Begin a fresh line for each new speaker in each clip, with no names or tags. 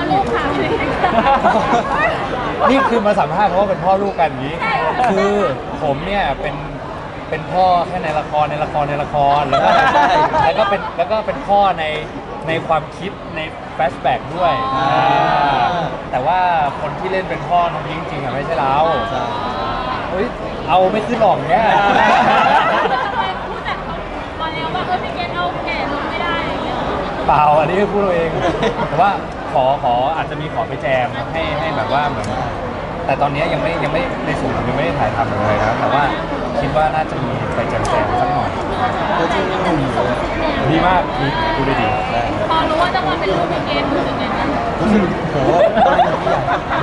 ลูกค่ะไม่ได้
นี่คือมาสัมภาษณ์เพราะว่าเป็นพ่อลูกกันอย่างนี้ คือผมเนี่ยเป็นพ่อแค่ในละครแล้วก็เป็นพ่อในความคิดในแฟลชแบ็กด้วยแต่ว่าคนที่เล่นเป็นพ่อน้องพิงค์จริงๆอะไม่ใช่เราเฮ้ยเอาไม่ขึ้นหรอกเนี่ย
ทำไมพูดแต่ตอนแล้วว่าพี่เกณฑ์เอาแก่ลงไม่ได้อย่างเงี้ย
เปล่าอันนี้พูดเราเอง แต่ว่าขออาจจะมีขอไปแจมให้แบบว่าเหมือนแต่ตอนนี้ยังไม่ในส่วนผมยังไม่ได้ถ่ายทำเลยนะแต่ว่าคิดว่าน่าจะมีไปแจมสักหน่อย
ตัวจริงหนุ่มเลย
ดีมากดูได้ดี
พอรู้ว่าจะมาเป็นลูกพี่เกณฑ์รู้สึกไงบ้าง
รู้สึกโหต้องเป็นผู้ใหญ่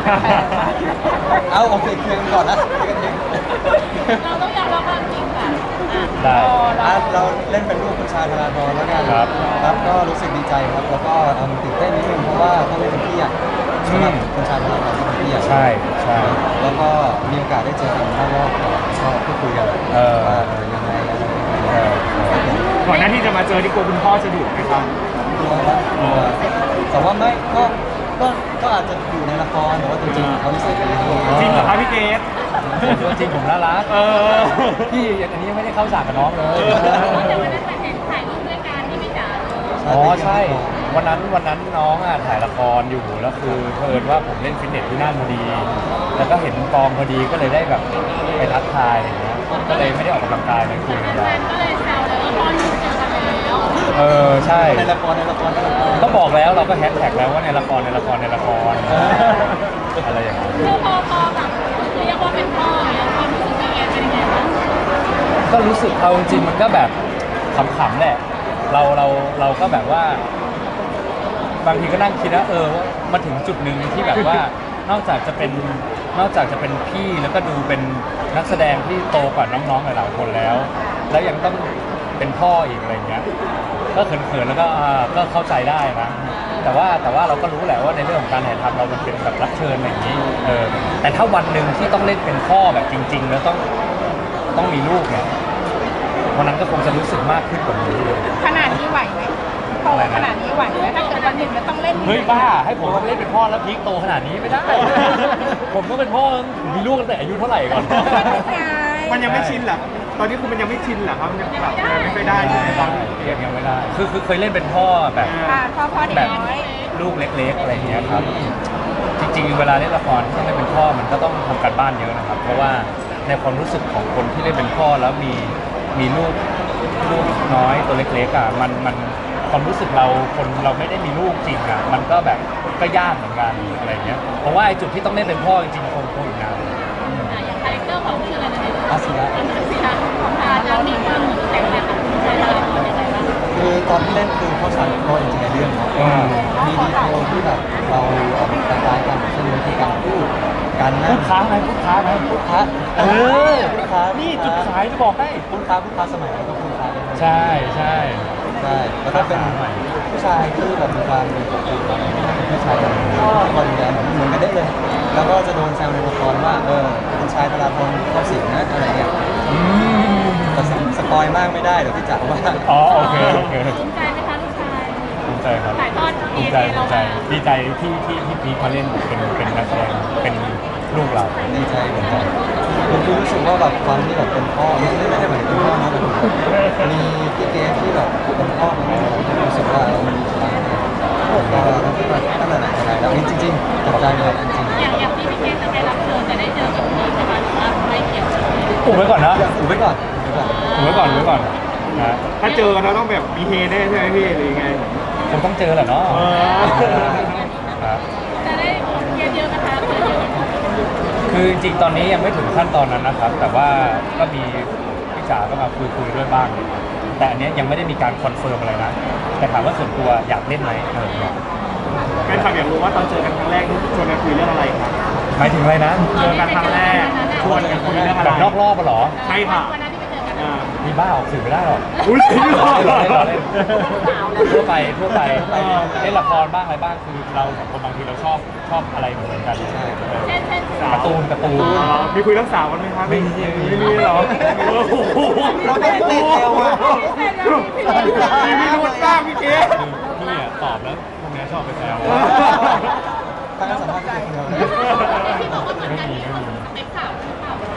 เอาโอเคเคลียร์กันก่อนนะเคลียร์กันเอง
เราต้องยอมรับความจริงค่ะ
ได้
เราเล่นเป็นลูกคุณชายธราธรแล้วกัน
ครับ
ครับก็รู้สึกดีใจครับแล้วก็ตื่นเต้นนิดนึงเพราะว่าต้องเล่นเป็นพี่ใหญ่สำหรับคุณชายธราธรที่เป็นพี่ใหญ่
ใช่
แล้วก็มีโอกาสได้เจอกันข้างนอกก็พูดคุยกันว่ายังไงอะไรอย่างเงี้ย
ก่อนหน้าที่จะมาเจอที่กลัวคุณพ่อจะดุไหมครับ
กลัวครับกลัวแต่ว่าไม่ก็อาจจะอยู่ในละครแต่ว่าจริงๆเขาไม่ใช่เป็นละคร
จริงเหรอครับพี่เกด
ตัวจริงผมน่ารัก พี่อันนี้ยังไม่ได้เข้าฉากกับน้องเลย
แต่วันนั้นเห็นถ่ายรูปด้วยกันที่พี่จ๋า
อ๋อใช่ วันนั้นน้องอ่ะถ่ายละครอยู่แล้วคือเผอิญว่าผมเล่นฟิตเนสที่นั่นพอดี แล้วก็เห็นกองพอดีก็เลยได้แบบไปทักทายอะไรเงี้ยก็เลยไม่ได้ออกกำลังกายเลยคุยกัน
แฟนก็เลยแซวเลยว่าพ่อลูกเจอกันแล้ว
ใช่
ในละคร
ก็บอกแล้วเราก็แฮชแท็กแล้วว่าในละครอะไรอย่างเงี้ย
คือพอแบบเรียกว่าเป็นพ่อเนี่ยความรู้สึกพี่เกณฑ์เป็นยังไงบ้าง
ก็รู้สึกเอาจริงๆมันก็แบบขำๆแหละเราก็แบบว่า บางทีก็นั่งคิดนะว่ามาถึงจุดหนึ่งที่แบบว่านอกจากจะเป็นพี่แล้วก็ดูเป็นนักแสดงที่โตกว่าน้องๆหลายๆคนแล้วยังต้องเป็นพ่ออีกอะไรเงี้ยก็เขินๆแล้วก็เข้าใจได้นะแต่ว่าเราก็รู้แหละว่าในเรื่องของการถ่ายทำเรามันเป็นแบบรับเชิญอะไรอย่างนี้แต่ถ้าวันหนึ่งที่ต้องเล่นเป็นพ่อแบบจริง ๆ แล้วต้องมีลูกเนี่ยวันนั้นก็คงจะรู้สึกมากขึ้นกว่านี้
ขนาดนี้ไหวไหมโตขนาดนี้ไหวไหมถ้าเกิดวันหนึ่งจะต้องเล่น
เฮ้ยบ้าให้ผมเล่นเป็นพ่อแล้วพีคโตขนาดนี้ไม่ได้ ผมก็เป็นพ่อมีลูกตั้งแต่อายุเท่าไหร่ก่อน
มันยังไม่ชินเหรอตอนนี้คือมันยังไม่ชินเหรอครับยังแบบไม่ค่อยได้ใช่ไหมครับ
ยังไม่ได้คือเคยเล่นเป็นพ่อแบบ
พ่อเด็ก
แบบ
น้อย
ลูกเล็กๆอะไรอย่างเงี้ยครับ จริงๆเวลาเล่นละครที่ต้องเล่นเป็นพ่อมันก็ต้องทำการบ้านเยอะนะครับ เพราะว่าในความรู้สึกของคนที่เล่นเป็นพ่อแล้วมีลูกน้อยตัวเล็กๆอ่ะมันความรู้สึกเราไม่ได้มีลูกจริงอ่ะมันก็แบบก็ยากเหมือนกันอะไรเงี้ยเพราะว่าไอ้จุดที่ต้องเล่นเป็นพ่อจริงๆคงอีกนาน
อย่างคาแรคเตอร์ของชื่ออะไรนะ
อาศิระ
ศิลาของทาจะมีความแตกต่างกับคุณชายธราธรยังไงบ้าง
คือตอนที่เล่นคือเขาฉากโปรจริงๆในเรื่องครับมีดีเทลที่แบบเราออกคล้ายๆกันเช่นวิธีการพูดการนั่
พู
ง
ดค้าไหมพูดค้า
พูดค้า
พูดค้านี่จุดขายจะบอกให้
พูดค้าสมัยนั้นก็พูดค้าได้
ใช่ใช่
ใช่แล้วก็เป็นผู้ชายที่แบบมีความเป็นปกติเป็นผู้ชายแบบคนเดียวเหมือนกันได้เลย แล้วก็จะโดนแซวในละครว่าเป็นชายตลาดทองเข้าสิงนะอะไรเงี้ยแต่สปอยมากไม่ได้เดี๋ยวพี่จ๋าว่า
อ๋อโอเค
ภูมิใจไหมคะลูกชาย
ภูมิใจครับ
ถ่ายทอด
ภูมิใจดีใจที่พีคมาเล่นเป็นนักแสดงเป็นลูกเรา
ดีใจเหมือนกันผมรู้สึกว่าแบบความที่แบบเป็นพ่อไม่ได้หมายถึงพ่อนะแต่มีพี่เกที่แบบเป็นพ่อของเราผมรู้สึกว่ามันมีพลังก็ตั้งแต่ไหนแต่ไรแล้วจริงๆจับใจเลยจริง
อย่างที่พี่เกณฑ์จะไปรับเชิญจะได้เจอกับพี่ประมาณว่าไม่เกี่ยวกับ
อุบไว้ก่อนนะ
ๆอุบไว้ก่อน นะ
ถ้าเจอกันเราต้องแบบมีเฮแน่ใช่ไหมพี่หรือยังไง
ผมต้องเจอแหละเนาะครับ
จะได้เยอะๆนะคะเยอะๆ
คือจริงๆตอนนี้ยังไม่ถึงขั้นตอนนั้นนะครับ แต่ว่าก็มีพี่จ๋าก็มาคุยด้วยบ้าง แต่อันเนี้ยยังไม่ได้มีการคอนเฟิร์มอะไรนะแต่ถามว่าส่วนตัวอยากเล่นไหม
แฟนคลับอยากรู้ว่าตอนเจอกันครั้งแรกชวนกันคุยเรื่องอะไรครับ
หมายถึงอะไรนะ
เจอกันครั้งแรกชวนกันคุยเรื่องอะไร
แบบนอกรอบปะเหรอ
ใช่ค่ะ
วันนั้นที่ไปเจอกัน
อ่า
มีบ้าออกสื่อไม่ได้หรอก
อุ้ยจริงเหรอ
เล่นทั่วไปเล่นละครบ้างอะไรบ้างคือเราสองคนบางทีเราชอบอะไรเหมือนกัน
เช่น
การ์ตูน
อ๋อมีคุยเรื่องสาวกันไหมครับ
ไม่มี
ไม่มีเหรอโอ้โห
เราไม่ได้ติดเอวอะ
มีพิรุธบ้างพี่เก๋
คือพี่อะตอบแล้วพวกนี้ชอบไปแซว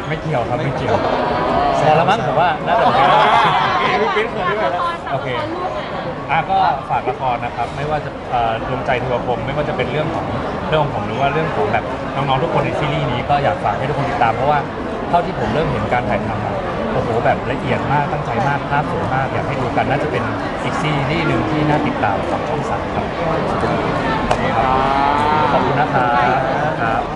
ไม่เกี่ยวครับไม่เกี่ยวพอละมั้งผมว่าน่าจะเป็น
พี่ปิ๊นเขินด้วยนะ
โอเคก็ฝากละครนะครับไม่ว่าจะดวงใจเทวพรหมไม่ว่าจะเป็นเรื่องของผมหรือว่าเรื่องของแบบน้องๆทุกคนในซีรีส์นี้ก็อยากฝากให้ทุกคนติดตามเพราะว่าเท่าที่ผมเริ่มเห็นการถ่ายทำอะโอ้โหแบบละเอียดมากตั้งใจมากภาพสวยมากอยากให้ดูกันน่าจะเป็นอีกซีรีส์หนึ่งที่น่าติดตามของช่อง 3ครับขอบคุณครับขอบคุณนะครับ